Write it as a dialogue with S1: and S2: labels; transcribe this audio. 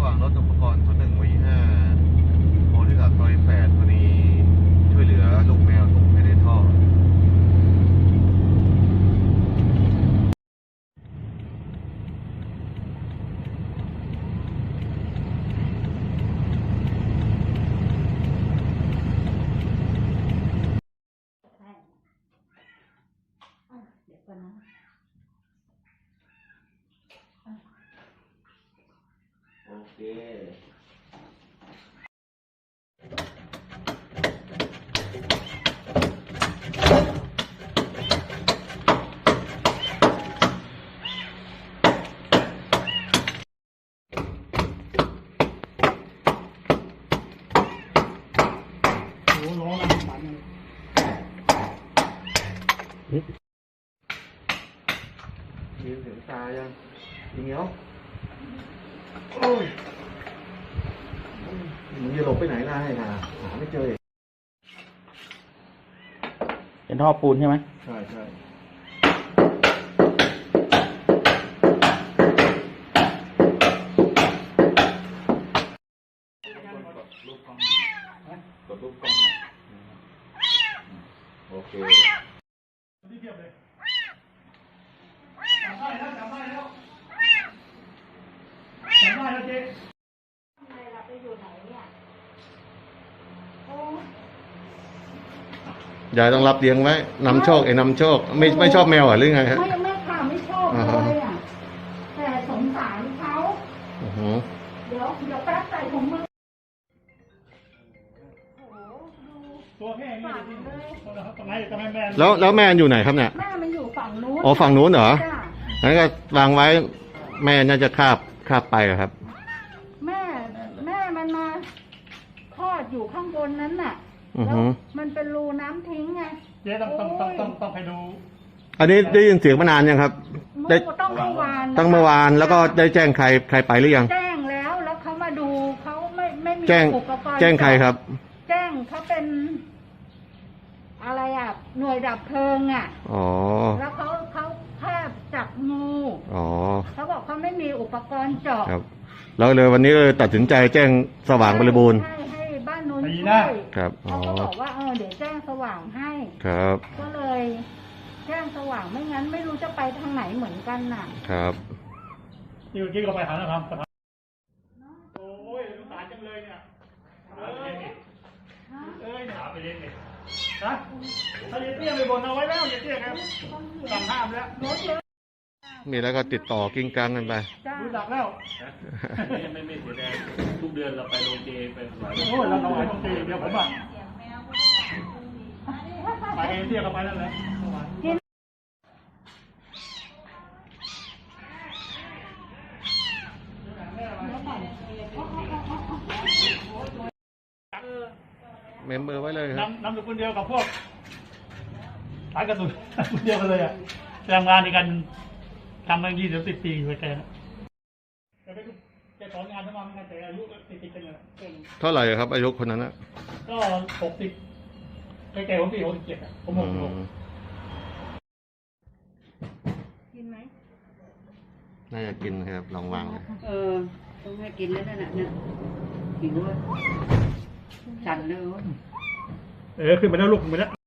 S1: ว่างรถอุปกรณ์01 V5 โพธิสัตว์ซอย8พอดีช่วยเหลือลูกแมวตกไปในท่อ
S2: เดี๋ยวก่อนนะ
S1: โอเค
S2: โอ้ร้องอะไรมัน
S1: ยืนถึงตายังอีเหนียวโอ้ยมึงจะหลบไปไหนล่ะให้หาไม่เจอ
S3: เป็นท่อปูนใช่ไหม
S1: ใช่ใช่กดรูปกล้องกดรูปกล้องโอเค
S2: ที่เทียบเลยจำได้แล้วเจ๊ทำไมเราไปอยู่ไหนเนี่ยโอ้
S1: ยายต้องรับเลี้ยงไว้นำโชคไอ้นำโชคไม่ชอบแมวหรือไงฮะ
S2: ไม่ค่ะไม่ชอบเลยอ่ะแต่สงสารเขาเดี๋ยวแป๊บใส่ถุงมือตัวแห้งเลยทำไมแม่
S1: แล้วแม่อยู่ไหนครับเนี่ย
S2: แม่มันอยู่ฝั่งนู้น
S1: อ๋อฝั่งนู้นเหรองั้นก็วางไว้แม่น่าจะคาบไปครับ
S2: แม่มันมาคลอดอยู่ข้างบนนั้นน่ะแล้วมันเป็นรูน้ำทิ้งไง
S4: เจ๊ต้องไปดู
S1: อันนี้ได้ยินเสียงมานานยังครับ
S2: ได้ต้องเมื่อวาน
S1: ตั้งเมื่อวานแล้วก็ได้แจ้งใครไปหรือยัง
S2: แจ้งแล้วเขามาดูเขาไม่มีอุปกรณ์
S1: แจ้งใครครับ
S2: แจ้งเขาเป็นอะไรอ่ะหน่วยดับเพลิงอ่ะ
S1: อ๋อ
S2: แล้วเขาแค่จับงู
S1: อ๋อ
S2: เขาบอกเขาไม่มีอุปกรณ์เจาะ
S1: ครับแล้วเลยวันนี้เลยตัดสินใจแจ้งสว่างบริบูรณ์
S2: ให้บ้านนู้นช่วย
S1: ครับ
S2: เขาก็บอกว่าเดี๋ยวแจ้งสว่างให้
S1: ครับ
S2: ก็เลยแจ้งสว่างไม่งั้นไม่รู้จะไปทางไหนเหมือนกันน่ะ
S1: ครับ
S4: ที่เมื่อกี้ก็ไปหาแล้วครับโอ้ยสงสารจังเลยเนี่ยหาไปเล่นดินะถ้าเตี้ยไปบนเอาไว้แล้วอย่าเตี้ยครับสั่งห้ามแล้ว
S1: มีแล้วก็ติดต่อกิ้งกังกันไป
S4: รู้จักแล้วไม่เสียแรงทุกเดือนเราไปโรงเจไปหลายโอ้ยเราถวายโรงเจเดียวผมอ่ะไปเองเตี้ยก็ไปนั่นแหละ
S1: เมมเบอร์ไว้เลยครับ
S4: นำอยู่คนเดียวกับพวกสายกระสุนคนเดียวกันเลยอ่ะทำงานในการทำมา20-10 ปีอยู่แกสอนงานทั้งวันแต่อายุติดกันเลย
S1: เท่าไหร่ครับอายุคนนั้นนะ
S4: ก็60แกผมปี67อ่ะผม
S2: กินไหม
S1: น่าจะกินครับลองวางเลย
S2: ต้องให้กินแล้วนั่นน่ะเนี่ยหิวสั่นเลย
S4: ขึ้นไปแล้วลูกขึ้นไปแล้ว